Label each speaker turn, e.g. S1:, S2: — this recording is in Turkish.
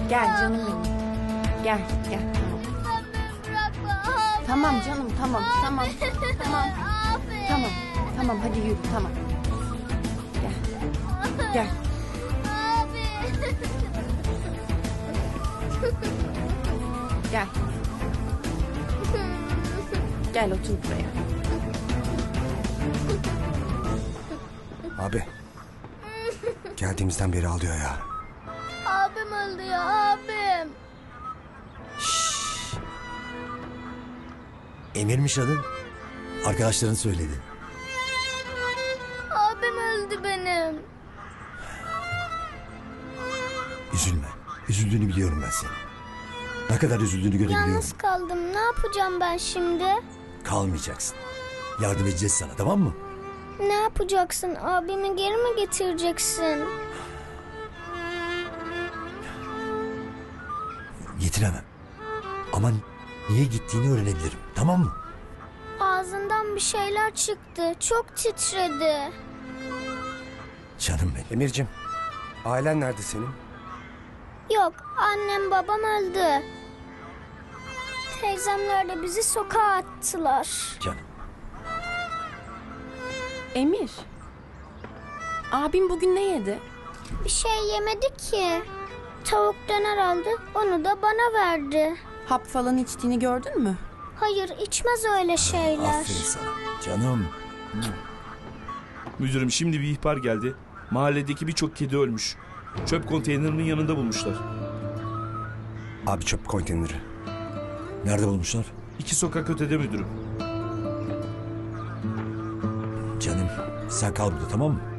S1: Gel canım benim. Gel gel.
S2: Bırakma abi.
S1: Tamam canım tamam tamam. Tamam.
S2: Abi.
S1: Tamam. Tamam hadi yürü tamam. Gel. Gel.
S2: Abi.
S1: Gel. Gel otur buraya.
S3: Abi. Geldiğimizden beri ağlıyor ya.
S2: Abim öldü ya abim.
S4: Emir'miş adın. Arkadaşların söyledi.
S2: Abim öldü benim.
S4: Üzülme. Üzüldüğünü biliyorum ben senin. Ne kadar üzüldüğünü görebiliyorum.
S2: Yalnız kaldım. Ne yapacağım ben şimdi?
S4: Kalmayacaksın. Yardım edeceğiz sana, tamam mı?
S2: Ne yapacaksın? Abimi geri mi getireceksin?
S4: Getiremem. Ama niye gittiğini öğrenebilirim, tamam mı?
S2: Ağzından bir şeyler çıktı. Çok titredi.
S4: Canım benim.
S3: Emir'cim, ailen nerede senin?
S2: Yok, annem babam öldü. Teyzemler de bizi sokağa attılar.
S4: Canım.
S1: Emir. Abim bugün ne yedi?
S2: Bir şey yemedi ki. Tavuk döner aldı, onu da bana verdi.
S1: Hap falan içtiğini gördün mü?
S2: Hayır, içmez öyle şeyler.
S4: Aferin sana. Canım.
S5: Müdürüm şimdi bir ihbar geldi. Mahalledeki birçok kedi ölmüş. Çöp konteynerinin yanında bulmuşlar.
S3: Abi çöp konteyneri.
S4: Nerede bulmuşlar?
S5: 2 sokak ötede müdürüm.
S4: Canım. Sen kal burada, tamam mı?